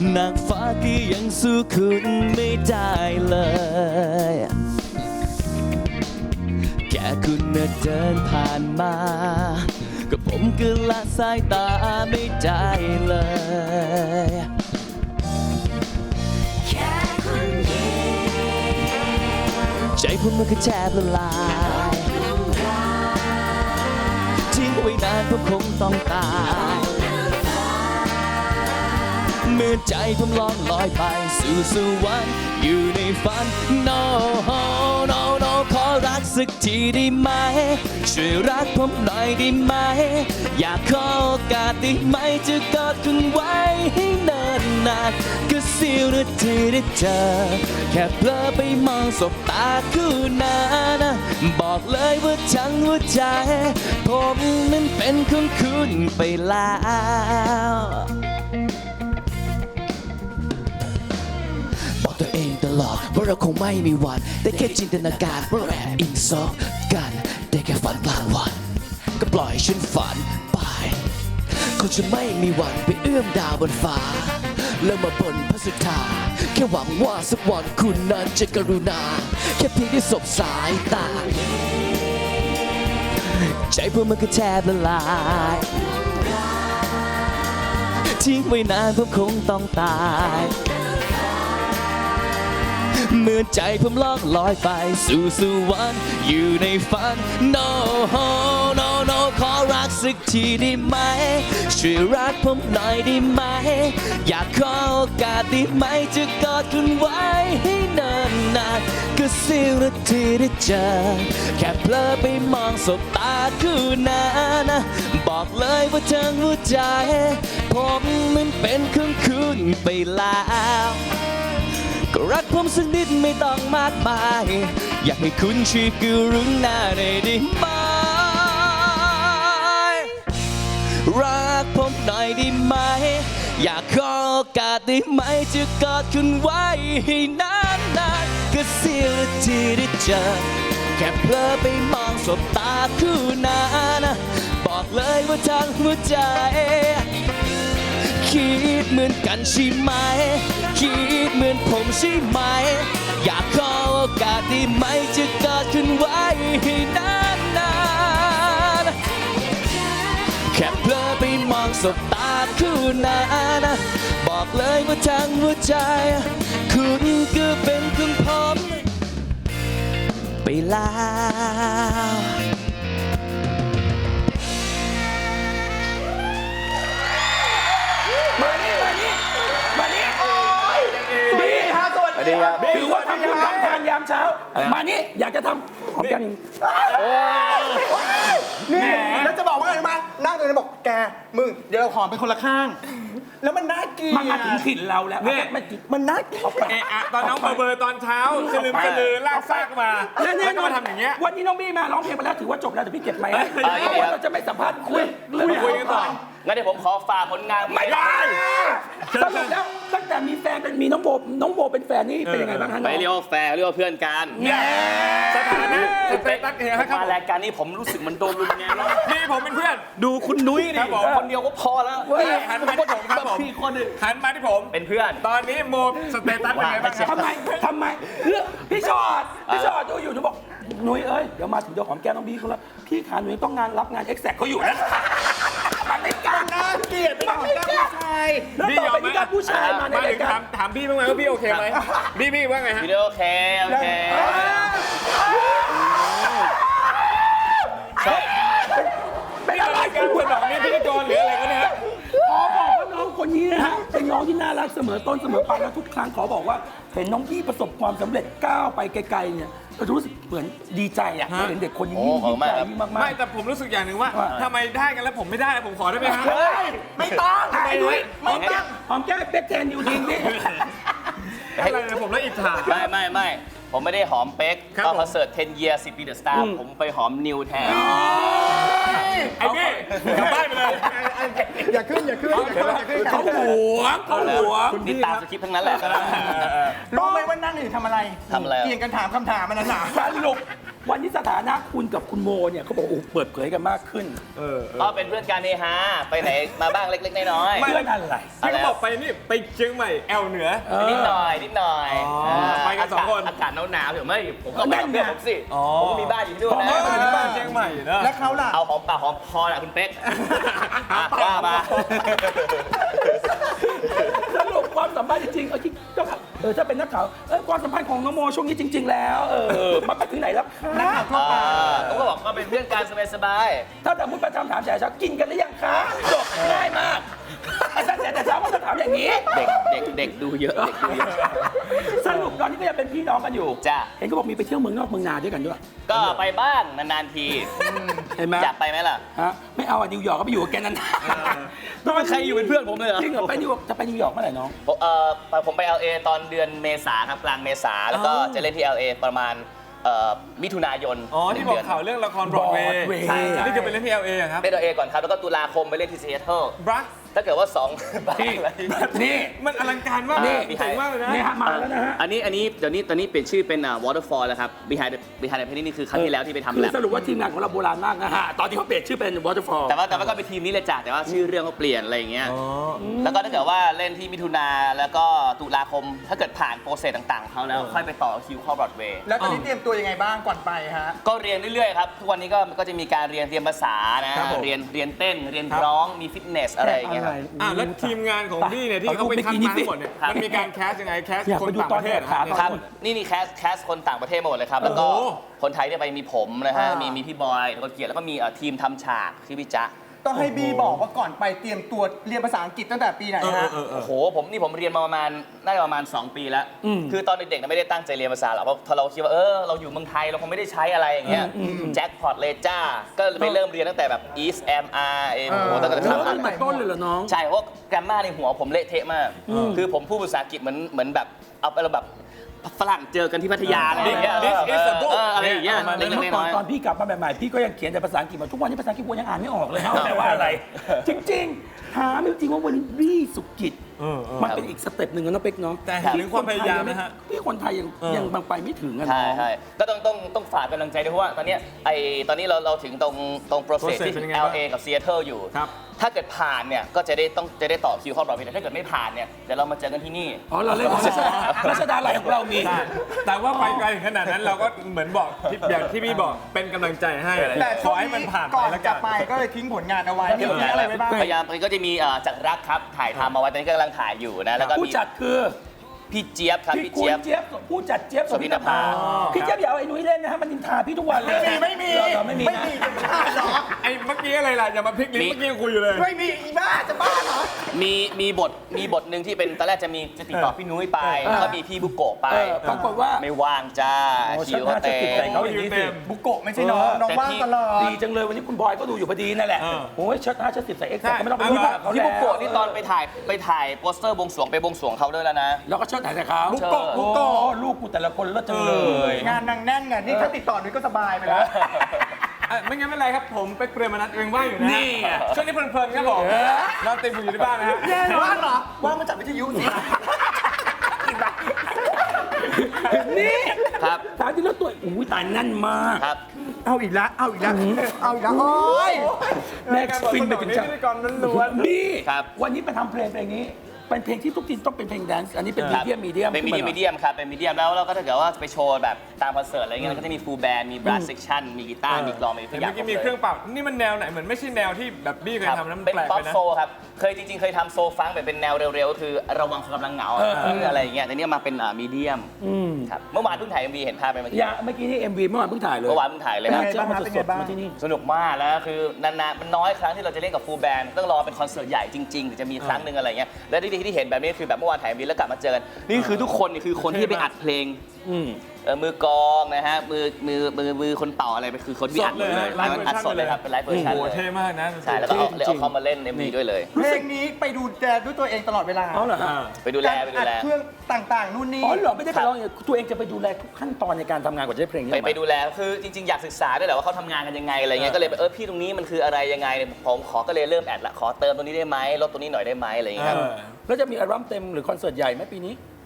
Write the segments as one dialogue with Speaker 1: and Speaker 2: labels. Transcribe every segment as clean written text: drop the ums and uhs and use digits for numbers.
Speaker 1: นางฟ้าก็ยังสู้คุณไม่ได้เลยแค่คุณเดินผ่านมาก็ผมก็ละสายตาไม่ได้เลยใจผมมันก็แทบละลายทิ้งไว้นานผมคงต้องตายเมื่อใจผมล่องลอยไปสู่สวรรค์อยู่ในฝัน no no no ขอรักสักทีได้ไหมช่วยรักผมหน่อยได้ไหมอยากขอโอกาสได้ไหมจะกอดคุณไว้ให้เนิ่นนานก็เสี้ยวนาทีได้เจอแค่เพลอไปมองสบตาคู่นั้นบอกเลยว่าทั้งหัวใจผมนั้นเป็นของคุณไปแล้วบอกตัวเองตลอดว่าเราคงไม่มีวันได้แค่จินตนาการว่าแอบอิงซอกกันได้แค่ฝันกลางวันก็ปล่อยฉันฝันไปคงจะไม่มีวันไปเอื้อมดาวบนฟ้าแล้วมาบนพระสุธาแค่หวังว่าสักวันคุณนั้นจะกรุณาแค่เพียงได้สบสายตาใจผมมันก็แทบละลายทิ้งไว้นานผมคงต้องตายเมื่อใจผมล่องลอยไปสู่สวรรค์อยู่ในฝัน no no no ขอรักสักทีได้ไหมช่วยรักผมหน่อยได้ไหมอยากขอโอกาสได้ไหมจะกอดคุณไว้ให้เนิ่นนานก็เสี้ยวนาทีได้เจอแค่เพลอไปมองสบตาคู่นั้นบอกเลยว่าทั้งหัวใจผมมันเป็นของคุณไปแล้วก็รักผมสักนิดไม่ต้องมากมายอยากให้คุณช่วยกรุณาหน่อยได้ไหมรักผมหน่อยได้ไหมอยากขอโอกาสได้ไหมจะกอดคุณไว้ให้นานๆก็เสี้ยวนาทีได้เจอแค่เพลอไปมองสบตาคู่นั้นบอกเลยว่าทั้งหัวใจคิดเหมือนกันใช่ไหมคิดเหมือนผมใช่ไหมอยากขอโอกาสได้ไหมจะกอดคุณไว้ให้นานๆแค่เพลอไปมองสบตาคู่นั้นบอกเลยว่าทั้งหัวใจคุณก็เป็นของผมไปแล้ว
Speaker 2: ถือว่าทำบุญทำทานยามเช้ามานี่อยากจะทำหอมแก้ม
Speaker 3: นี่แล้วจะบอกว่าไงรู้ไหมนั่งตรงนี้บอกแกมึงเดี๋ยวเราหอมเป็นคนละข้างแล้วมันน่ากิน
Speaker 2: มันมาถึงถิ่นเราแล้ว
Speaker 3: มันน่ากิน
Speaker 4: ตอนน้องเบอร์ตอนเช้าสลืมสลือลากซากมาแล้วก็มาทำอย่างเงี้ย
Speaker 2: วันนี้น้องบี้มาร้องเพลงมาแล้วถือว่าจบแล้วแต่พี่เก็บไหมเราจะไม่สัมภาษณ์คุย
Speaker 4: กันต่อ
Speaker 1: งั้นเดี๋ยวผมขอฝากผลงาน
Speaker 2: ไม่ได้สรุปแล้วตั้งแต่มีแฟนเป็นมีน้องโบเป็นแฟนนี่เป็นยังไงบ้างฮะ
Speaker 1: ไม่เรียกว่าแฟนเรียกว่าเพื่อนกัน
Speaker 4: สถานะเป็นตั๊กเองครับ
Speaker 1: มารายการนี้ผมรู้สึกมันโดนรุนแรงแล้ว
Speaker 4: นี่ผมเป็นเพื่อน
Speaker 1: ดูคุณนุ้ยนี่คนเดียวก็พอแล้ว
Speaker 4: หันมาที่ผมครับผมหันมาที่ผม
Speaker 1: เป็นเพื่อน
Speaker 4: ตอนนี้โมสเตตัสเป็นไงบ้างครับ
Speaker 2: ทำไมพี่ชอดดูอยู่หนูบอกนุ้ยเอ้ยเดี๋ยวมาถึงเดี๋ยวหอมแก้มน้องบี้เขาแล้วพี่ขาหนูต้องรับงานเอ็กแซกเขาอยู่นะมันไม่กล้าเกลียดมันไม่กล้าพี่ยอมไหมผู้ชายมาในรายการ
Speaker 4: ถามพี่บ้างไหมว่าพี่โอเคไหมพี่ว่าไงฮะ
Speaker 1: พี่โอเค
Speaker 4: เป็นอะไรกันสนองนี่พิธีกรหรืออะไรกันเนี่ย
Speaker 2: บอกว่าน้องคนนี้นะฮะเป็นน้องที่น่ารักเสมอต้นเสมอปลายแล้วทุกครั้งขอบอกว่าเห็นน้องพี่ประสบความสำเร็จก้าวไปไกลๆเนี่ยก็รู้สึกเหมือนดีใจอ่ะเห็นเด็กคนนี้ยิ่งใหญ่มากๆ
Speaker 4: ไม่แต่ผมรู้สึกอย่างหนึ่งว่าทำไมได้กันแล้วผมไม่ได้ผมขอได้ไหมฮะ
Speaker 2: ไม่ต้องไม่ต้องหอมแก้มเป็ดแทนอยู่จริงนี่
Speaker 4: อะไรผมแล้วอิจฉา
Speaker 1: ไม่ผมไม่ได้หอมเป๊กตอนคอนเสิร์ต10 years 10 ปีเดอะสตาร์ผมไปหอมนิวแทน
Speaker 4: ไอ้นี่กลับบ้านไปเลย
Speaker 3: อย่าขึ้น
Speaker 2: เขาหวง
Speaker 1: นี่ตามสคริปต์ทั้งนั้นแหละ
Speaker 3: รู้ไหมว่านั่งอยู่ทำอะไร
Speaker 1: เกี่
Speaker 3: ยงกันถามคำถามมันน่ะ
Speaker 2: สรุปวันนี้สถานะคุณกับคุณโมเนี่ยเขาบอกโอ้เปิดเผยกันมากขึ้น
Speaker 1: ก็เป็นเพื่อนกันเฮฮาไปไหนมาบ้างเล็กๆน้อย
Speaker 2: เพื่อนอะไร
Speaker 4: ที่เขาบอกไปนี่ไปเชียงใหม่แอลเหนือ
Speaker 1: ๆนิดหน่อยนิดหน่อย
Speaker 4: ไปกันสองคน
Speaker 1: อากาศหนาวๆผมไม่ผมก็ไปกับเพื่อนผมสิผมก็มีบ้านอยู่ที่นู่น
Speaker 4: เอ
Speaker 1: นะ
Speaker 4: อที่บ้านเชียงใหม่เนอะ
Speaker 3: แล้วเขาล่ะ
Speaker 1: เอาหอมปากหอมคอแหละคุณเป๊กว่ามา
Speaker 2: สรุปความสัมพันธ์จริงๆที่ก็ถ้าเป็นนักข่าวความสัมพันธ์ของน้องโมช่วงนี้จริง ๆ แล้วมันไปถึงไหนแล้วคะ
Speaker 1: ผมก็บอกว่าเป็นเพื่อนกันสบาย
Speaker 2: ถ้าแต่มุดประจำถามแฉเช้ากินกันหรือยังคะจบง่ายมากแต่เช้าก็จะถามอย่างนี้
Speaker 1: เด็กดูเยอะเด็กดูเยอะ
Speaker 2: สรุปตอนนี้ก็ยังเป็นพี่น้องกันอยู่
Speaker 1: จ้ะ
Speaker 2: เห็นเขาบอกมีไปเที่ยวเมืองนอกเมืองนาด้วยกันด้วย
Speaker 1: ก็ไปบ้างนานๆที
Speaker 2: เห็นไหม
Speaker 1: อยากไปไหมล่ะ
Speaker 2: ฮะไม่เอานิวยอร์กก็ไปอยู่กับแกนานๆ
Speaker 1: ไม่มีใครอยู่เป็นเพื่อนผมเลยเหรอ
Speaker 2: จริงเหรอไปนิวยอร์กจะไปนิวยอร์กเมื่อไหร่น้อง
Speaker 1: ผมไป LA ตอนเดือนเมษาครับกลางเมษาแล้วก็จะเล่นที่ LA ประมาณมิถุนายน
Speaker 4: อ๋อที่บอกข่าวเรื่องละครบรอดเวย์
Speaker 2: Broadway
Speaker 1: ใช่ครับ
Speaker 4: นี่คือไปเล่นที่ LA อะครับ
Speaker 1: เล่น LA ก่อนครับแล้วก็ตุลาคมไปเล่นที่ซีแอตเทิล
Speaker 4: บรัส
Speaker 1: ถ้าเกิดว่า2บ้านอะไร
Speaker 2: นี่
Speaker 4: มันอลังการมาก
Speaker 1: นี่
Speaker 4: เจ๋งมากเลยนะ
Speaker 2: นี่ฮะมาแล้วนะฮะ
Speaker 1: อันนี้เดี๋ยวนี้ตอนนี้เปลี่ยนชื่อเป็นWaterfall แล้วครับ Behind the Painting นี่คือครั้งที่แล้วที่ไปทำ
Speaker 2: คือ
Speaker 1: แลบ
Speaker 2: สรุปว่าทีมงานของเราโบราณมากนะฮะตอนที่เขาเปลี่ยนชื่อเป็น Waterfall
Speaker 1: แต่ว่าก็เป็นทีมนี้เลยจ้ะแต่ว่าชื่อเรื่องเขาเปลี่ยนอะไรอย่างเงี้ยแล้วก็ถ้าเกิดว่าเล่นที่มิถุนาแล้วก็ตุลาคมถ้าเกิดผ่านโปรเซสต่างๆของเขาแล้วค่อยไปต่อคิวเข้าบรอดเวย์
Speaker 3: แล้วตอนนี้เตรียมตัวยังไงบ้างก่อนไปฮะ
Speaker 1: ก็เรียนเรื่อยๆครับทุกวันนี้ก็จะมีการเรียนภาษานะครับ
Speaker 4: ผม
Speaker 1: เรียนเต้นเรียนร้องมีฟิตเนสอะไรอย่างเงี้ยครับ
Speaker 4: แล้วทีมงานของพี่เนี่ยที่เขาไปคัดมาทั้งหมดเนี่ย
Speaker 1: ครับ
Speaker 4: มันมีการแคสยังไงแคส
Speaker 2: อยาก
Speaker 4: คน
Speaker 2: ไปดู
Speaker 4: ต่าง
Speaker 2: ต
Speaker 4: ป
Speaker 2: อน
Speaker 4: ระเทศ
Speaker 2: แรก
Speaker 1: ครับนี่แคสคนต่างประเทศมาหมดเลยครับแล้วก็
Speaker 4: โอ้โห
Speaker 1: คนไทยเนี่ยไปมีผมนะฮะมีพี่บอยแล้วก็เกียรติแล้วก็มีทีมทำฉากชื่อพี่จ๊ะ
Speaker 3: ต้องให้บีบอกว่าก่อนไปเตรียมตัวเรียนภาษาอังกฤษตั้งแต่ปีไหนฮะ
Speaker 1: โอ้โหผมเรียนมาประมาณน่าจะประมาณ2 ปีแล้วคือตอนเด็กๆไม่ได้ตั้งใจเรียนภาษาหรอกเพราะเราคิดว่าเราอยู่เมืองไทยเราคงไม่ได้ใช้อะไรอย่างเงี้ยแจ็คพอตเลยจ้าก็ไปเริ่มเรียนตั้งแต่แบบ East MR โอ้โหตั้งแต่
Speaker 2: แล้ว
Speaker 1: ครั้ง
Speaker 2: ตั้งแต่ต้นเลยเหรอน้อง
Speaker 1: ใช่เพราะแกรมมาในหัวผมเละเทะมาก คือผมพูดภาษาอังกฤษเหมือนแบบเอาไปแบบฝรั่งเจอกันที่พัทยาอะไรอย่างเงี้ย
Speaker 4: This is a book
Speaker 1: อะไรอย่างเงี้ย
Speaker 2: เมื่
Speaker 1: เล็ก
Speaker 2: อ
Speaker 1: ๆ
Speaker 2: ก่อน
Speaker 1: น้อย
Speaker 2: ตอนพี่กลับมาใหม่ๆพี่ก็ยังเขียนแต่ภาษาอังกฤษมาทุกวันนี้ภาษาอังกฤษกูยังอ่านไม่ออกเลยฮะว่าแปลว่าอะไร จริงๆถามจริงๆว่าวันนี้บี้สุกิจมันเป็นอีกสเต็ปหนึ่งนะน้องเป๊กเนาะ
Speaker 4: แต่เห็นถึงความพยายามนะฮะ
Speaker 2: ที่คนไทยยังบางไปไม่ถึงอะ
Speaker 1: ๆใช่
Speaker 2: เนาะ
Speaker 1: ใช่ก็ต้องฝากกำลังใจด้วยเพราะว่าตอนเนี้ยตอนนี้เราถึงตรงโปรเซส
Speaker 4: process
Speaker 1: ที่
Speaker 4: เป็นยังไงบ้าง
Speaker 1: LA กับ Seattle อยู่
Speaker 4: ครับ
Speaker 1: ถ้าเกิดผ่านเนี่ยก็จะได้ต่อคิวเข้ารอบแต่ถ้าเกิดไม่ผ่านเนี่ยเดี๋ยวเรามาเจอกันที่นี่
Speaker 2: อ๋อเราเล่นรัชดาลัยของเรามี
Speaker 4: แต่ว่าไปไกลถึงขนาดนั้นเราก็เหมือนบอกอย่างที่พี่บอกเป็นกำลังใจให้
Speaker 3: แต่
Speaker 4: ข
Speaker 3: ช่ว
Speaker 4: อง ให้มัน
Speaker 3: นี้
Speaker 4: ผ่านไป
Speaker 3: ก่อน
Speaker 4: แล้ว
Speaker 3: จะ
Speaker 4: กัน
Speaker 3: ไปก็เลยทิ้งผลงานเอาไว้มีอะไรไว้บ้าง
Speaker 1: พยายามก็จะมีจากรักครับถ่ายทำมาไว้ตอนนี้ก็กำลังถ่ายอยู่นะแล้วก็
Speaker 2: ผู้
Speaker 1: มี
Speaker 2: จัดคือ
Speaker 1: พี่เจี๊ยบครับ
Speaker 2: พี่
Speaker 1: พี่
Speaker 2: คุณ
Speaker 1: เจี๊ยบ
Speaker 2: เจี๊ยบผู้จัดเจี๊ยบ
Speaker 1: โสภินภา
Speaker 2: พี่เจี๊ยบอย่าเอาไอ้นุ้ยเล่นนะฮะมันนินทาพี่ทุกวันเลย
Speaker 3: ไม่มี
Speaker 2: เราไม่มี
Speaker 3: ไม่
Speaker 2: นะ
Speaker 3: มีเป็นบ้าเหรอ
Speaker 4: ไอ้เมื่อกี้อะไรล่ะอย่ามาพลิกลิ้นเมื่อกี้ยังคุยอยู่เลย
Speaker 3: ไม่มีอีบ้าจะบ้าเหรอ
Speaker 1: มีบทหนึ่งที่เป็นตอนแรกจะติดต่อพี่นุ้ยไปแล้วก็มีพี่บุโกะไป
Speaker 2: ปรากฏว่า
Speaker 1: ไม่ว่างจ้า
Speaker 2: โอ้
Speaker 1: คิวเขาเต็
Speaker 2: ฉันน่าจะติดใจ
Speaker 1: ม
Speaker 2: เขาอย่างนี้สิ
Speaker 3: บุโกะไม่ใช่น้องน้องว่างตลอด
Speaker 2: ดีจังเลยวันนี้คุณบอยก็ดูอยู่พอดีนั่นแหละ โอ้ยชัด5ชัด10ใส่เอ็กซ์ก็ไม่ต้องไปรู้จักเขา
Speaker 1: พี่
Speaker 2: แล้ว
Speaker 1: บุโกะนี่ตอนไปถ่ายโปสเตอร์บวงสรวงไปบวงสรวงเขาด้วยแล้วนะ
Speaker 2: แล้วก็เชิดถ่ายแต่เขา
Speaker 3: บุโกะบุโกะ
Speaker 2: โอ้ลูกกูแต่ละคนเลิศจังเลย
Speaker 3: งานนางแน่นไงนี่ถ้าติดต่อนุ้ยก็สบายไปแล้ว
Speaker 4: ไม่งั้นไม่เป็นไรครับผมไปเปรมนัทเองว่างอยู่นะ
Speaker 2: นี่ไง
Speaker 4: ช่วงนี้เพลินๆครับผมนอนเต็มอยู่ที่บ้านนะฮะ
Speaker 3: ว่างเหรอ ว่างมาจากวิทยุสิ
Speaker 2: นี่
Speaker 1: ครับ
Speaker 2: ถามที่แล้วตัวอุ้ยตายแน่นมาก
Speaker 1: ครับ
Speaker 3: เอาอีกแล้วเอาอีกแล้วเอาอีกแล้วโอ้ย
Speaker 2: แม็กซ์ฟินไปถึงจัง
Speaker 4: พิธีกรล้วน
Speaker 2: นี่
Speaker 1: ครับ
Speaker 2: วันนี้ไปทำเพลงนี้เป็นเพลงที่ทุกทีต้องเป็นเพลงแดนซ์อันนี้เป็นมีเดียม
Speaker 1: เป็นมีเดียมครับเป็นมีเดียมแล้วเราก็ถ้าเกิดว่าไปโชว์แบบตามคอนเสิร์ตอะไรเงี้ยก็จะมีฟูลแบนด์มีบรัสเซกชันมีกีตาร์มีกลองมี
Speaker 4: ๆ
Speaker 1: ทุ
Speaker 4: เห็
Speaker 1: ก
Speaker 4: น
Speaker 1: อย่า
Speaker 4: เมื่
Speaker 1: ง
Speaker 4: อกี้มีเครื่องเป่านี่มันแนวไหนเหมือนไม่ใช่แนวที่แบบบี้เคย
Speaker 1: ครับ
Speaker 4: ทำนะมัน
Speaker 1: เป็น
Speaker 4: แปลก
Speaker 1: ป๊อ
Speaker 4: ไป
Speaker 1: ป
Speaker 4: นะ
Speaker 1: โซครับจริงๆเคยทำโซฟังค์แบบเป็นแนวเร็วๆคือระวังกำลังเหงาอะไรอย่างเงี้ยแต่เนี่ยมาเป็นมีเดียมครับเมื่อวานเพิ่งถ่าย MV เห็นภาพไปเมื่อกี้
Speaker 2: อย่าเมื่อกี้นี่ MV เมื่อวานเพิ่งถ่ายเลย
Speaker 1: เมื่อวานเพิ่งถ่ายเลย
Speaker 2: เป็น
Speaker 1: ครับ
Speaker 2: เจ้ามาสดๆมาที่นี่
Speaker 1: สนุกมากแล้วคือนานๆมันน้อยครั้งที่เราจะเล่นกับฟูลแบนด์ต้องรอเป็นคอนเสิร์ตใหญ่จริงๆถึงจะมีครั้งหนึ่งอะไรเงี้ยและที่เห็นแบบนี้คือแบบเมื่อวานถ่าย MV แล้วกลับมาเจอกันนี่คือทุกคนนี่คือคนที่ไปอัดเพลงมือกลองนะฮะมือคนเป่าอะไรไปคือคนที่อัดเลยอัดสดเลยครับเป็นไลฟ์เวอร์ชัน
Speaker 4: โอ้โห
Speaker 1: เลย
Speaker 4: เท่มากนะ
Speaker 1: ใช่แล้วก็เอาเขามาเล่น MV ด้วยเลย
Speaker 3: เพลงนี้ไปดูแลด้วยตัวเองตลอดเวลา
Speaker 2: เอาเหรอฮะ
Speaker 1: ไปดูแล
Speaker 3: การอัดเครื่องต่างๆนู่นนี่
Speaker 2: อ๋อเหรอไม่ได้ไปร้องอย่างตัวเองจะไปดูแลทุกขั้นตอนในการทำงานกว่าจะได้เพลงนี้ออกมา
Speaker 1: ไปดูแลคือจริงๆอยากศึกษาด้วยแหละว่าเขาทำงานกันยังไงอะไรเงี้ยก็เลยพี่ตรงนี้มันคืออะไรยังไงผมขอก็เลยเริ่มแอดละขอเติมตรงนี้ได้ไหมลดตรงนี้หน่อยได้ไหมอะไรเงี้ยครับ
Speaker 2: แล้วจะมีอัลบั้มเต็มหรือคอนเสิร์ตใหญ่ไหมปีนี้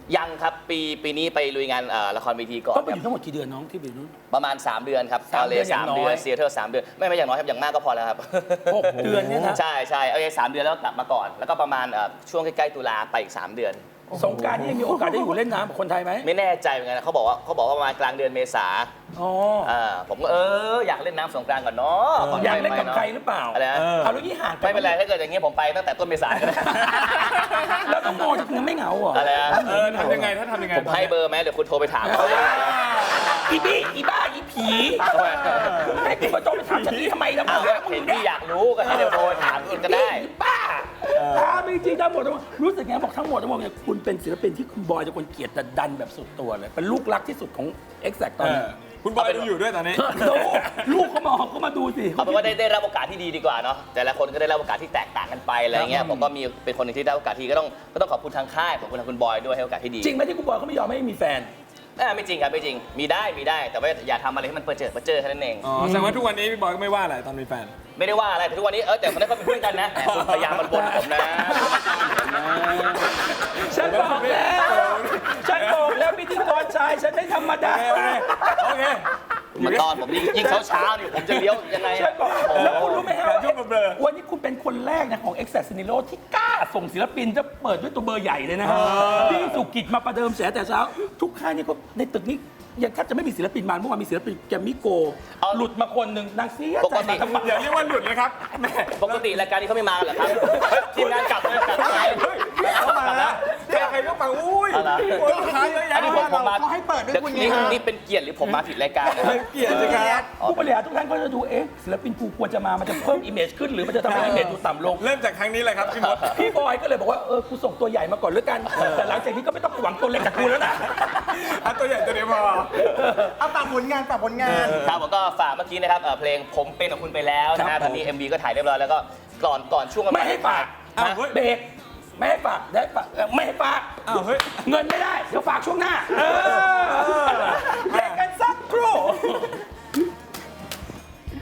Speaker 1: ยังครับปีนี้ไปลุยงานละครเวทีก่อน
Speaker 2: ต้องไป
Speaker 1: ค
Speaker 2: อ
Speaker 1: รับ
Speaker 2: ยู่ทั้งหมดกี่เดือนน้องที่ไปอยู่นู้น
Speaker 1: ประมาณ 3 เดือนครับ
Speaker 2: 3 เดือน
Speaker 1: สาม
Speaker 2: อย่างน้อย
Speaker 1: เดือนเซียเทอร์3 เดือนไม่อย่างน้อยครับอย่างมากก็พอแล้วครับ
Speaker 2: 6 เดือนเนี่ยนะ
Speaker 1: ใช่ใช่เอาอย่าง3 เดือนแล้วกลับมาก่อน แล้วก็ประมาณช่วงใกล้ๆตุลาไปอีก 3 เดือน
Speaker 2: สงกรานต์นี่ยังมีโอกาสได้อยู่เล่นน้ำกับคนไทยไหม
Speaker 1: ไม่แน่ใจเหมือนกันเขาบอกว่าประมาณกลางเดือนเมษา
Speaker 2: อ๋อ
Speaker 1: ผมก็อยากเล่นน้ำสงกรานต์ก่อนเนาะ
Speaker 2: อยากเล่นกับใครหรือเปล่า
Speaker 1: อะไรนะ
Speaker 2: เอาแล้วนี่ห่างกั
Speaker 1: ไม่เป็นไรถ้าเกิดอย่างงี้ผมไปตั้งแต่ต้นเมษาก็ได้
Speaker 2: แล้วน้องโมจะไม่เหงาเหรอ
Speaker 1: อะไรนะ
Speaker 4: ทำยังไงถ้าทำยังไง
Speaker 1: ผมให้เบอร์ไหมเดี๋ยวคุณโทรไปถามเขา
Speaker 2: อีบี้อีบ้าอีผีให้คุณมาโทรไปถามฉันนี่ทำไมนะ
Speaker 1: เอาเห็นที่อยากรู้ก็ให้เดี๋ยวโทรถามคุณก็ได้
Speaker 2: อีบ้าถามจริงๆทั้งหมดทั้งมวลรู้สึกไงบอกทั้งหมดทั้งมวลเนี่ยคุณเป็นศิลปินที่คุณบอยจะคนเกลียดแต่ดันแบบสุดตัวเลยเป็นลูกรักที่สุดของ Exact ตอนนี้
Speaker 4: คุณบอยดูอยู่ด้วยตอนนี้
Speaker 2: ดูลูกเขามาดูสิ
Speaker 1: เอาเป็นว่าได้รับโอกาสที่ดีดีกว่าเนาะแต่ละคนก็ได้รับโอกาสที่แตกต่างกันไปอะไรเงี้ยผมก็มีเป็นคนหนึ่งที่ได้โอกาสที่ก็ต้องขอบคุณทางค่ายขอบคุณทางคุณบอยด้วยให้โอกาสที่ดี
Speaker 2: จริงไหมที่คุณบอยเขาไม่ยอมให้มีแฟน
Speaker 1: ไม่จริงครับไม่จริงมีได้แต่ว่าอย่าทำอะไรให้มันเปิดเจอแค่นั้นเอง
Speaker 4: อ๋อแสดงว่าทุกวันนี้พี่บอยก็ไม่ว่าอะไรตอนมีแฟน
Speaker 1: ไม่ได้ว่าอะไรแต่ทุกวันนี้แต่มันได้ก็เป็นเพื่อนกันนะแต่คุณพยายามมันบนผมนะ
Speaker 2: ฉันบอกแล้วพิธีกรชายฉันไม่ธรรมดา
Speaker 4: โอเค
Speaker 1: มันตอนผมยิ่งเช้าๆนี่ผมจะเลี้ยวยังไง
Speaker 2: ฉันบอกแล้วคุณรู้ไหมฮะ
Speaker 4: ช่วงเบลอ
Speaker 2: วันนี้คุณเป็นคนแรกนะของ Exact Sinilo ที่กล้าส่งศิลปินจะเปิดด้วยตัวเบอร์ใหญ่เลยนะฮะพี่สุกิจมาประเดิมแฉแต่เช้า ทุกค่ายนี่ก็ในตึกนี้ยังแทบจะไม่มีศิลปินมาเมื่อวานมีศิลปินแกมมิโกหลุดมาคนหนึ่งนางเสียใจมาทำไม
Speaker 4: อย่าเรียกว่าหลุดเลยครับแม่
Speaker 1: ปกติรายการนี้เขาไม่มากันเหรอครับทีมงานกลับเลยกลับไป
Speaker 4: เข้ามาแล้วใครก็มาอุ้ยลูกค้าเยอะแยะ
Speaker 1: อันนี้ผมมา
Speaker 3: เขาให้เปิดด้วยคุณไง
Speaker 1: นี่เป็นเกียรติหรือผมมาผิดรายการนะครับ
Speaker 4: เกลียดสิครับ
Speaker 2: ผู้บริหารทุกท่านก็จะดูศิลปินกูควรจะมามันจะเพิ่มอิมเมจขึ้นหรือมันจะทำให้อิมเมจดูต่ำลง
Speaker 4: เริ่มจากครั้งนี้เลยครับพี่มด
Speaker 2: พี่บอยก็เลยบอกว่ากูส่งตัวใหญ่มาก่อนแล้วกัน แต่หลังจากนี้ก็ไม่ต้องหวังตัวเล็กจากกูแล้วนะ
Speaker 4: เอาตัวใหญ่ตัวเดียวพอ
Speaker 3: เอาฝากผลงาน
Speaker 1: ครับผมก็ฝากเมื่อกี้นะครับเพลงผมเป็นของคุณไปแล้วนะ
Speaker 2: ครั
Speaker 1: ฮะ
Speaker 2: บ
Speaker 1: ตอนนี้ MV ก็ถ่ายเรียบร้อยแล้วก็ก่อนช่วงวัน
Speaker 2: ไม่ให้ฝาก
Speaker 4: อ้าวเฮ้ย
Speaker 2: เบรกไม่ให้ฝากได้ฝากไม่ให้ฝาก
Speaker 4: อ้าวเฮ้ย
Speaker 2: เงินไม่ได้เดี๋ยวฝากช่วงหน้า